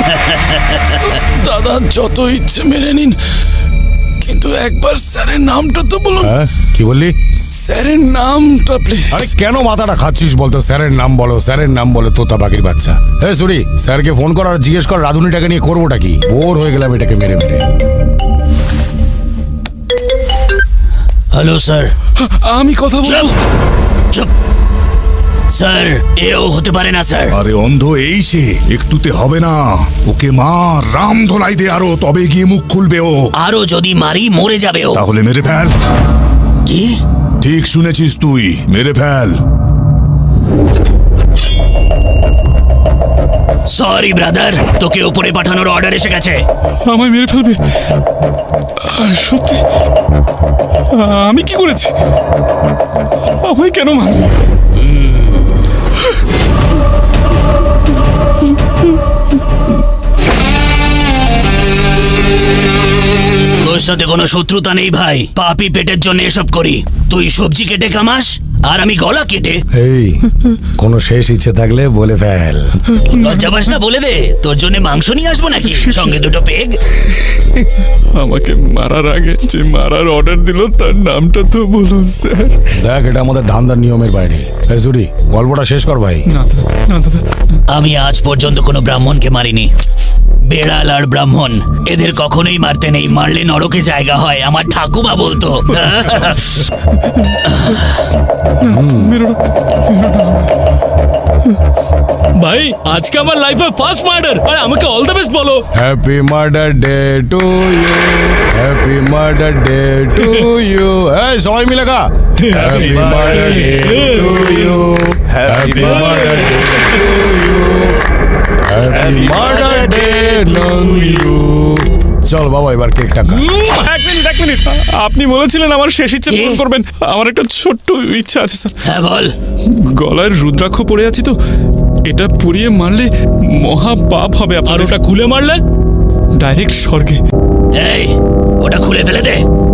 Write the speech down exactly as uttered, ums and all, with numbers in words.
দাদা যত ইচ্ছে মেনে নিন, কিন্তু একবার স্যারের নামটা তো বলুন। হ্যাঁ কি বললি? স্যারের নামটা প্লিজ। আরে কেন মাথাটা খাচ্ছিস বলতো? স্যারের নাম বলো, স্যারের নাম বলো, তোতা পাখির বাচ্চা। হ্যাঁ সরি, স্যারকে ফোন কর আর জিজ্ঞেস কর রাধুনিটাকে নিয়ে করবোটা কি। বোর হয়ে গেলাম এটাকে মেরে মেরে। Hello sir. আমি কথা বলবো। চুপ স্যার, এও হতে পারে না স্যার। আরে অন্ধ এই সে, একটুতে হবে না। ওকে মা রাম ধোলাই দে আরো, তবে গিয়ে মুখ খুলবে ও। আরো যদি মারি মরে যাবে ও। তাহলে মেরে ফেল। কি? ঠিক শুনেছিস তুই, মেরে ফেল। সরি ব্রাদার, তোকে উপরে পাঠানোর অর্ডার এসে গেছে। আমায় মেরে ফেলবে? আহ, সত্যি? আহ, আমি কি করেছি? আমায় কেন মারবে? তোর সাথে কোনো শত্রুতা নেই ভাই, পাপি পেটের জন্য এসব করি। তুই সবজি কেটে কামাস আর আমি গলা কেটে। এই কোনো শেষ ইচ্ছে থাকলে বলে ফেল। লজ্জা পাস না? বলে দে, তোর জন্য মাংস নিয়ে আসবো নাকি সঙ্গে দুটো পেগ? আমাকে মারার আগে যে মারার অর্ডার দিল তার নামটা তো বলুন স্যার। দেখ এটা আমাদের ধান্দার নিয়মের বাইরে। এই সরি, গল্পটা শেষ কর ভাই। না দাদা, না দাদা, আমি আজ পর্যন্ত কোনো ব্রাহ্মণকে মারিনি। বেড়াল আর ব্রাহ্মণ এদের কখনোই মারতে নেই, মারলে নরকে জায়গা হয়, আমার ঠাকুমা বলতো। ভাই আজকে আমার লাইফে ফার্স্ট মার্ডার, আর আমাকে অল দ্য বেস্ট বলো। Happy murder day to you, happy murder day to you. এই সবাই মিলে গা। Happy murder day to you, happy murder day to you, happy murder day to you. চল বাবা এবার কেকটা খা। এক মিনিট এক মিনিট আপনি বলেছিলেন আমার শেষ ইচ্ছে পূরণ কি? করবেন। আমার একটা ছোট্ট ইচ্ছা আছে স্যার। হ্যাঁ বল। গলায় রুদ্রাক্ষ পড়ে আছি তো, এটা পুড়িয়ে মারলে মহা পাপ হবে। আর ওটা খুলে মারলে ডাইরেক্ট স্বর্গে। এই ওটা খুলে ফেলে দে।